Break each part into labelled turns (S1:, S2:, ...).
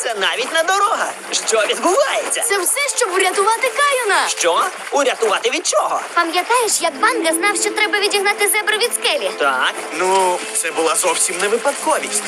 S1: Це навіть не дорога. Що відбувається?
S2: Це все, щоб врятувати Кайона.
S1: Що? Урятувати від чого?
S3: Пам'ятаєш, як Банга знав, що треба відігнати зебру від скелі?
S1: Так.
S4: Ну, це була зовсім не випадковість.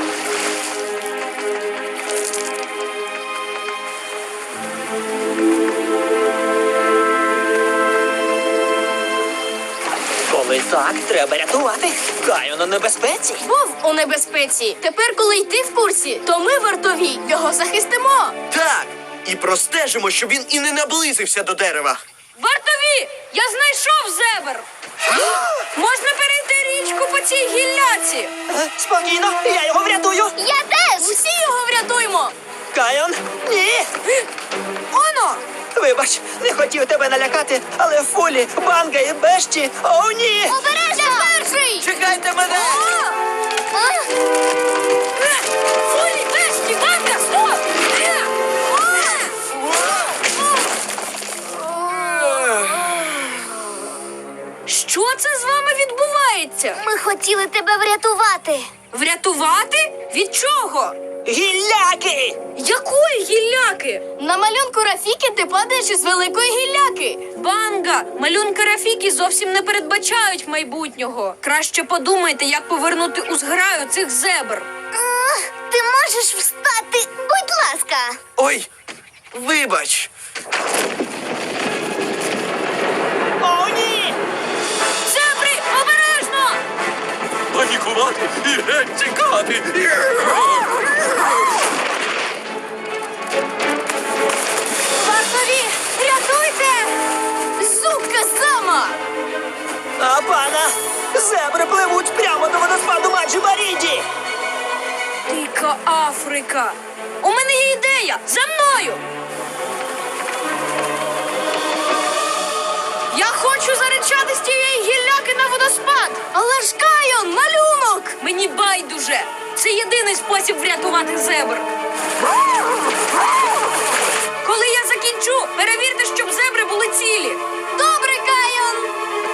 S1: Коли так, треба рятувати. Кайон у небезпеці.
S2: Вов у небезпеці. Тепер, коли й ти в курсі, то ми, вартові, його захистимо.
S4: Так, і простежимо, щоб він і не наблизився до дерева.
S2: Вартові! Я знайшов зебр! Можна перейти річку по цій гілляці.
S1: Спокійно, я його врятую.
S3: Я теж!
S2: Усі його врятуймо!
S1: Кайон, ні.
S2: Оно!
S1: Вибач, не хотів тебе налякати, але Фулі, Банга і Бешті, о, ні!
S3: Обережно! Перший!
S4: Чекайте мене!
S2: Фулі, Бешті, Банга, стоп! Що це з вами відбувається?
S3: Ми хотіли тебе врятувати.
S2: Врятувати? Від чого?
S1: Гілляки!
S2: Якої гілляки? На малюнку Рафіки ти падаєш із великої гілляки. Банга! Малюнки Рафіки зовсім не передбачають майбутнього. Краще подумайте, як повернути у зграю цих зебр.
S3: Ти можеш встати, будь ласка.
S4: Ой, вибач.
S1: О, ні!
S2: Зебри, обережно!
S4: Панікувати і геть тікати.
S2: Вартові, рятуйте! Зубка зама!
S1: А пана! Зебри пливуть прямо до водоспаду Маджі-Баріді!
S2: Дика Африка! У мене є ідея! За мною! Я хочу заричати з тієї гілляки на водоспад! Але ж Кайон, малюнок! Мені байдуже! Це єдиний спосіб врятувати зебр. Коли я закінчу, перевірте, щоб зебри були цілі. Добре, Кайон!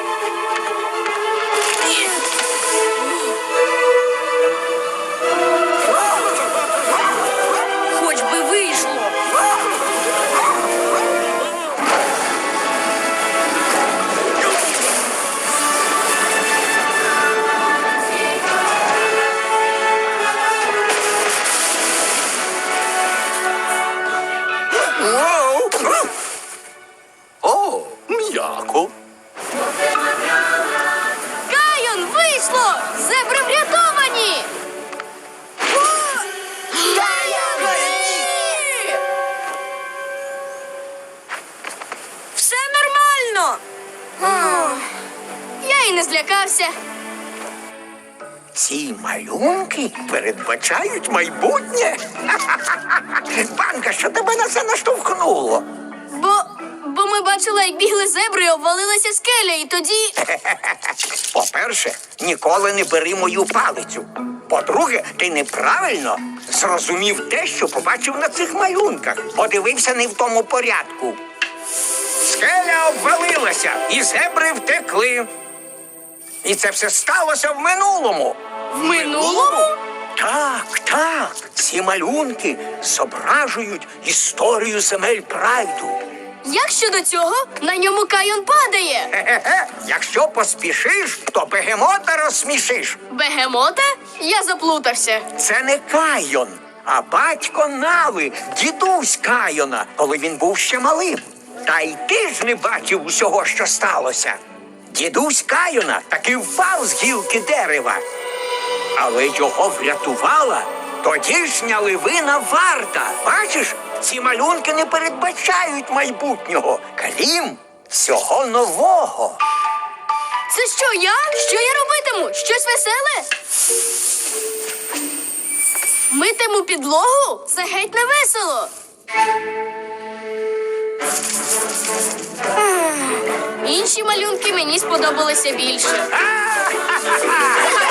S2: Хоч би вийшло.
S4: О, м'яко.
S2: Кайон, вийшло! Зебри врятовані! Все нормально! Я й не злякався.
S5: Ці малюнки передбачають майбутнє. Банка, що тебе на це наштовхнуло?
S2: Бо ми бачили, як бігли зебри і обвалилася скеля, і тоді...
S5: По-перше, ніколи не бери мою палицю. По-друге, ти неправильно зрозумів те, що побачив на цих малюнках. Подивився не в тому порядку. Скеля обвалилася, і зебри втекли. І це все сталося в минулому.
S2: В минулому?
S5: Так, так. Ці малюнки зображують історію земель Прайду.
S2: Як щодо цього, на ньому Кайон падає.
S5: Хе-хе-хе. Якщо поспішиш, то бегемота розсмішиш.
S2: Бегемота? Я заплутався.
S5: Це не Кайон, а батько Нави, дідусь Кайона, коли він був ще малим. Та й ти ж не бачив усього, що сталося. Дідусь Кайона таки впав з гілки дерева. Але його врятувала тодішня ливина Варта. Бачиш, ці малюнки не передбачають майбутнього, крім всього нового.
S2: Це що, я? Що я робитиму? Щось веселе? Митиму підлогу? Це геть не весело. Інші малюнки мені сподобалися більше.